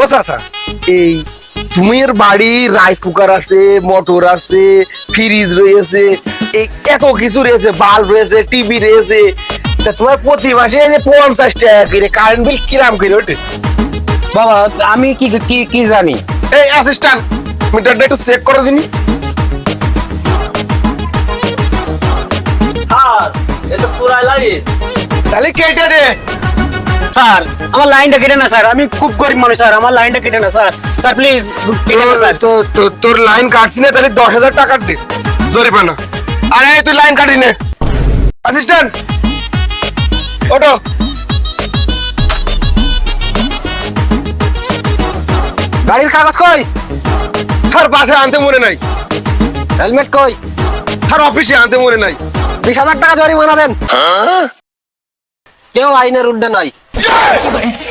চাচা, এই তুমি এর বাড়ি রাইস কুকার আছে, মোটর আছে, ফ্রিজ রয়েছে, এই এত কিছু রয়েছে, বাল্ব রয়েছে, টিভি রয়েছে, তা তোমার প্রতি মাসে এই যে 50 টাকা করে কারেন্ট বিল কিরাম করে ওঠে? বাবা আমি কি কি কি জানি? এই অ্যাসিস্ট্যান্ট, মিটারটা একটু চেক করে দিন। আর এটা সুরাই লাইট। তাহলে কেটে দে। স্যার আমার লাইনটা কেটে না স্যার, আমি খুব গরিব মানুষ স্যার, আমার লাইনটা কেটে না স্যার, স্যার প্লিজ কেটে না স্যার। তোর লাইন কাটছি না, তাহলে 10,000 টাকা দে জরিমানা। আরে তুই লাইন কাটি নে। অ্যাসিস্ট্যান্ট ওটো। গাড়ির কাগজ কই? স্যার বাসায় আনতে মনে নাই। হেলমেট কই? স্যার অফিসে আনতে মনে নাই। 20,000 টাকা জরিমানা দেন। কেউ আইনের ঊর্ধ্বে নাই।